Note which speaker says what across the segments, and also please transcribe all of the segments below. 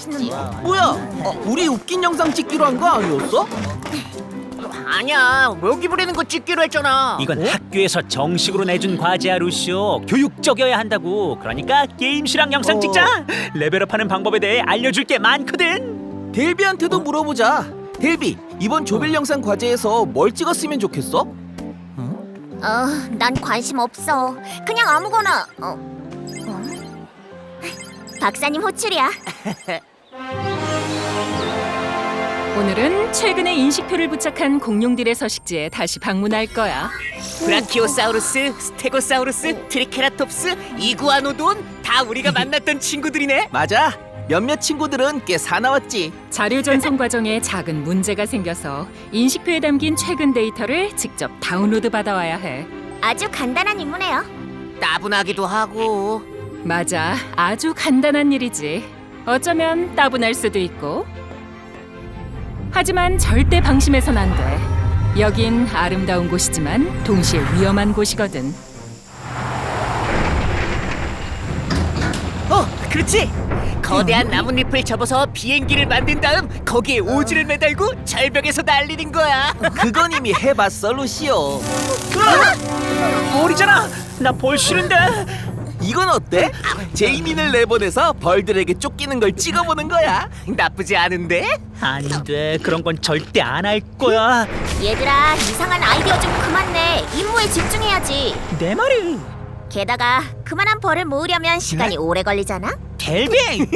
Speaker 1: 맛있지.
Speaker 2: 뭐야? 우리 웃긴 영상 찍기로 한 거 아니었어?
Speaker 1: 아니야, 모기 부리는 거 찍기로 했잖아.
Speaker 3: 이건 학교에서 정식으로 내준 과제야, 루시오. 교육적이어야 한다고. 그러니까 게임실랑 영상 찍자. 레벨업하는 방법에 대해 알려줄 게 많거든.
Speaker 2: 델비한테도 물어보자. 델비, 이번 조별 영상 과제에서 뭘 찍었으면 좋겠어?
Speaker 4: 난 관심 없어. 그냥 아무거나. 박사님 호출이야.
Speaker 5: 오늘은 최근에 인식표를 부착한 공룡들의 서식지에 다시 방문할 거야.
Speaker 1: 브라키오사우루스, 스테고사우루스, 트리케라톱스, 이구아노돈 다 우리가 만났던 친구들이네.
Speaker 2: 맞아. 몇몇 친구들은 꽤 사나웠지.
Speaker 5: 자료 전송 과정에 작은 문제가 생겨서 인식표에 담긴 최근 데이터를 직접 다운로드 받아와야 해.
Speaker 4: 아주 간단한 임무네요.
Speaker 1: 따분하기도 하고.
Speaker 5: 맞아, 아주 간단한 일이지. 어쩌면 따분할 수도 있고. 하지만 절대 방심해선 안 돼. 여긴 아름다운 곳이지만 동시에 위험한 곳이거든.
Speaker 1: 그렇지. 거대한 나뭇잎을 접어서 비행기를 만든 다음 거기에 오지를 매달고 절벽에서 날리는 거야.
Speaker 2: 그건 이미 해봤어, 루시오.
Speaker 3: 벌이잖아. 나 벌 싫은데.
Speaker 2: 이건 어때? 제이민을 내보내서 벌들에게 쫓기는 걸 찍어보는 거야.
Speaker 1: 나쁘지 않은데?
Speaker 3: 안 돼. 그런 건 절대 안 할 거야.
Speaker 4: 얘들아, 이상한 아이디어 좀 그만 내. 임무에 집중해야지.
Speaker 3: 내 말이.
Speaker 4: 게다가 그만한 벌을 모으려면 시간이 오래 걸리잖아.
Speaker 3: 델비.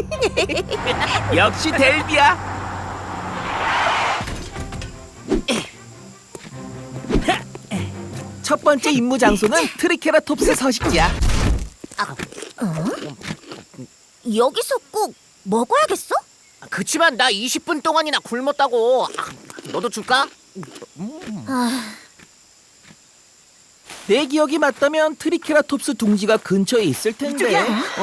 Speaker 2: 역시 델비야. 첫 번째 임무 장소는 트리케라톱스 서식지야.
Speaker 4: 여기서 꼭 먹어야겠어?
Speaker 1: 그치만 나 20분 동안이나 굶었다고. 너도 줄까?
Speaker 2: 내 기억이 맞다면 트리케라톱스 둥지가 근처에 있을 텐데.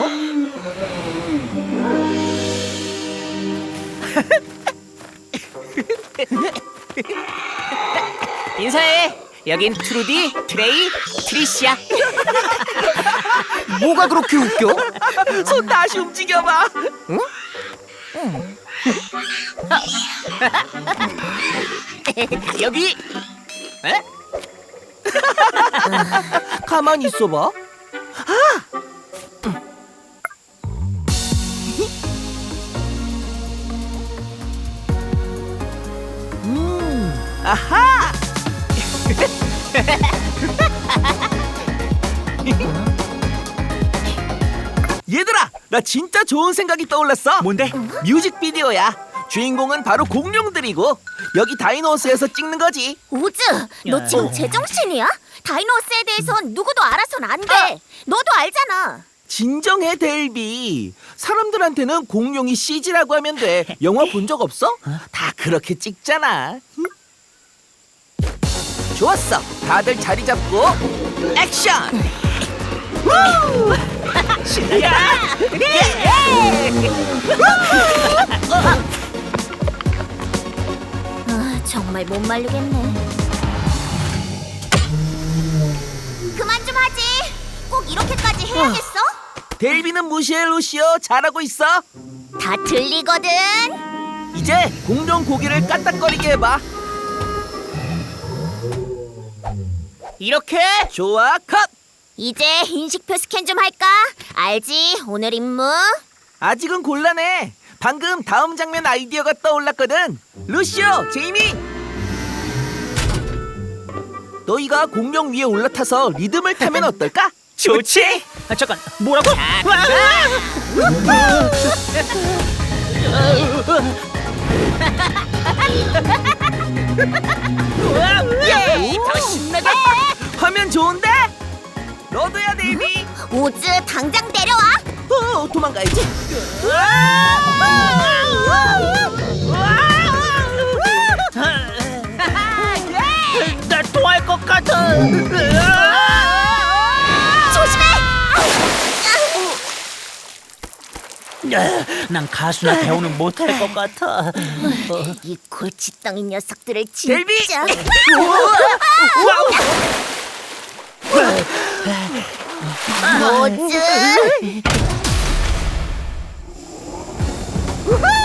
Speaker 1: 인사해. 여긴 트루디, 트레이, 트리시야. 뭐가 그렇게 웃겨?
Speaker 2: 손 다시 움직여봐.
Speaker 1: 여기. 에?
Speaker 2: 가만히 있어봐. 아하! 얘들아, 나 진짜 좋은 생각이 떠올랐어.
Speaker 3: 뭔데?
Speaker 2: 뮤직비디오야. 주인공은 바로 공룡들이고 여기 다이노스에서 찍는 거지.
Speaker 4: 오즈, 너
Speaker 3: 야.
Speaker 4: 지금 제정신이야? 다이노스에 대해선 누구도 알아선 안 돼. 너도 알잖아.
Speaker 2: 진정해, 델비. 사람들한테는 공룡이 CG라고 하면 돼. 영화 본 적 없어? 다 그렇게 찍잖아. 응? 좋았어. 다들 자리 잡고 액션!
Speaker 4: 정말 못 말리겠네. 그만 좀 하지. 꼭 이렇게까지 해야겠어?
Speaker 2: 델비는 무시해, 루시오. 잘하고 있어.
Speaker 4: 다 들리거든.
Speaker 2: 이제 공룡 고기를 까딱거리게 해봐.
Speaker 1: 이렇게?
Speaker 2: 좋아, 컷!
Speaker 4: 이제 인식표 스캔 좀 할까? 알지? 오늘 임무.
Speaker 2: 아직은 곤란해. 방금 다음 장면 아이디어가 떠올랐거든. 루시오, 제이미! 너희가 공룡 위에 올라타서 리듬을 타면 어떨까?
Speaker 3: 좋지? 잠깐. 뭐라고?
Speaker 1: 더 신나게.
Speaker 2: 화면 좋은데? 너도야, 데이비.
Speaker 4: 오즈, 당장 내려와.
Speaker 2: 도망가야지.
Speaker 3: 나 토할 것 같아.
Speaker 4: 조심해.
Speaker 3: 난 가수나 배우는 못할 것 같아.
Speaker 4: 이 골칫덩이 녀석들을
Speaker 2: 델비!
Speaker 4: 진짜. 오즈. 우후!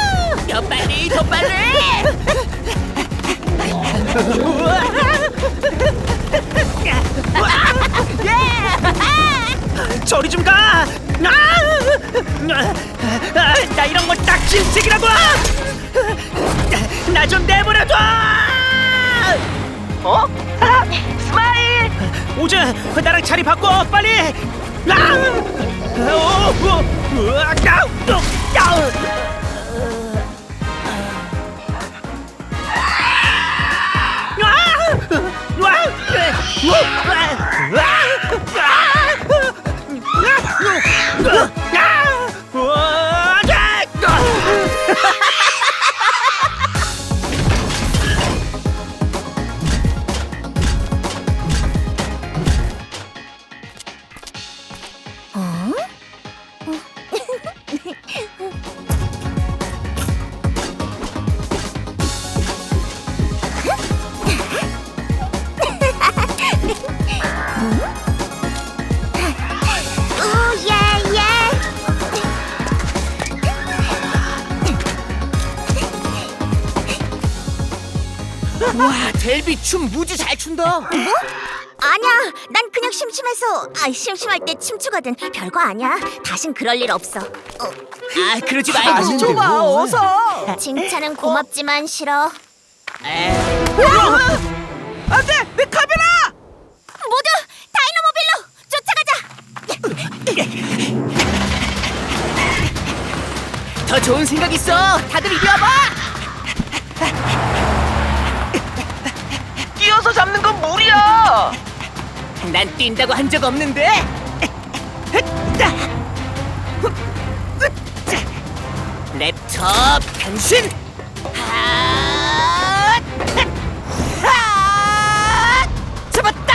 Speaker 3: 저리 좀 가! 나 이런 건 딱 질색이라고! 나 좀 내버려둬! 스마일! 오즈, 나랑 자리 바꿔, 빨리!
Speaker 1: 와, 델비 춤 무지 잘 춘다.
Speaker 4: 뭐? 아니야, 난 그냥 심심해서. 심심할 때 춤추거든. 별거 아니야. 다신 그럴 일 없어.
Speaker 1: 아, 그러지 말고.
Speaker 2: 다시 줘봐, 어서.
Speaker 4: 칭찬은 고맙지만 싫어.
Speaker 2: 안돼, 내 카메라.
Speaker 4: 모두 다이너모빌로 쫓아가자.
Speaker 1: 더 좋은 생각 있어. 다들 이리 와봐.
Speaker 2: 뛰어서 잡는 건 무리야.
Speaker 1: 난 뛴다고 한 적 없는데. 랩톱 변신. 잡았다.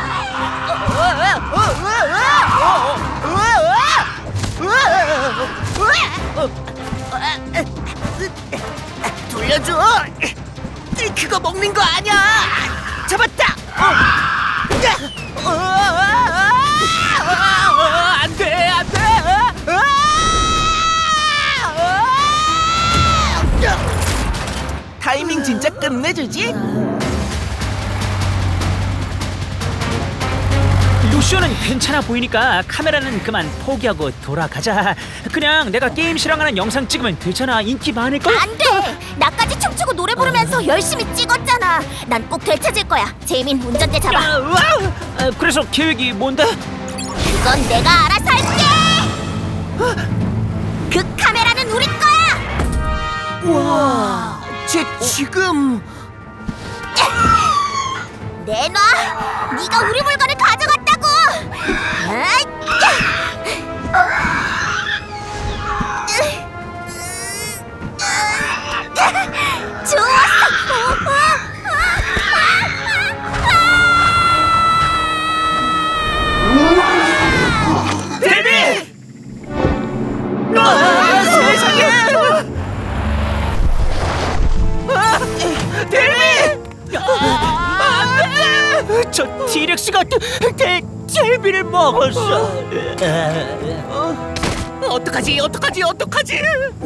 Speaker 1: 돌려줘. 그거 먹는 거 아니야. 잡았다. 안돼, 안돼.
Speaker 2: 타이밍 진짜 끝내주지.
Speaker 3: 루시오는 괜찮아 보이니까 카메라는 그만 포기하고 돌아가자. 그냥 내가 게임 실황하는 영상 찍으면 되잖아. 인기 많을걸?
Speaker 4: 안 돼. 나까지 춤추고 노래 부르면서 열심히 찍었잖아. 난 꼭 되찾을 거야. 제이민 운전대 잡아.
Speaker 3: 그래서 계획이 뭔데?
Speaker 4: 그건 내가 알아서 할게. 그 카메라는 우리 거야.
Speaker 1: 와, 쟤 지금.
Speaker 4: 내놔. 네가 우리 물건을 가져갔다고. 좋았어.
Speaker 1: 데뷔! 세상에! 데뷔! 안돼!
Speaker 3: 저 티렉스가 델비를 먹었어.
Speaker 1: 어떡하지? 어떡하지? 어떡하지?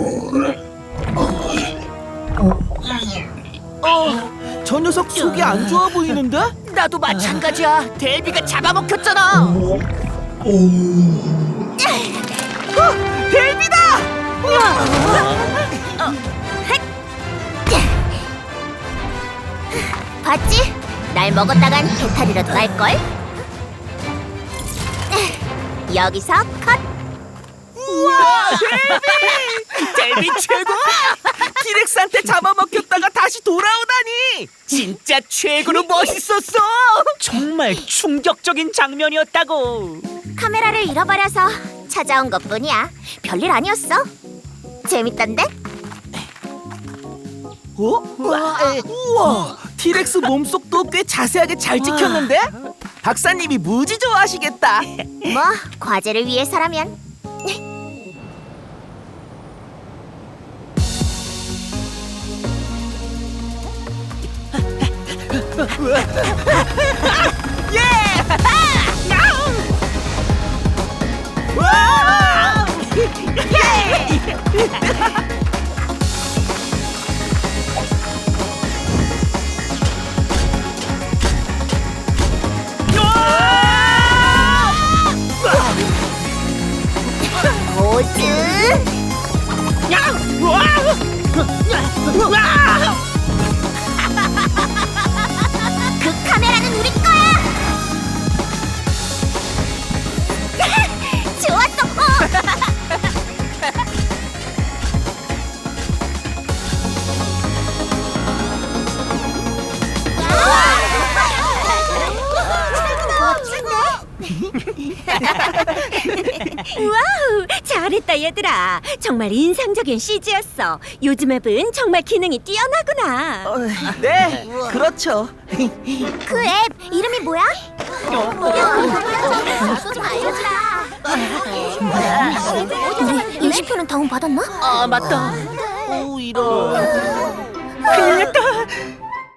Speaker 2: 저 녀석 속이 안 좋아 보이는데?
Speaker 1: 나도 마찬가지야. 델비가 잡아먹혔잖아.
Speaker 2: 델비다!
Speaker 4: 봤지? 날 먹었다간 배탈이라도 날걸? 여기서 컷!
Speaker 2: 우와,
Speaker 1: 델비 최고!
Speaker 2: 티렉스한테 잡아먹혔다가 다시 돌아오다니.
Speaker 1: 진짜 최고로 멋있었어.
Speaker 3: 정말 충격적인 장면이었다고.
Speaker 4: 카메라를 잃어버려서 찾아온 것뿐이야. 별일 아니었어. 재밌던데?
Speaker 2: 우와, 티렉스 몸속도 꽤 자세하게 잘 찍혔는데? 박사님이 무지 좋아하시겠다.
Speaker 4: 뭐 과제를 위해서라면. 와우, 잘했다 얘들아. 정말 인상적인 CG였어. 요즘 앱은 정말 기능이 뛰어나구나.
Speaker 2: 네, 그렇죠.
Speaker 4: 그 앱 이름이 뭐야? 좀 알려주라. 우리 인식표는 다운 받았나?
Speaker 1: 아 맞다.
Speaker 2: 오, 이런.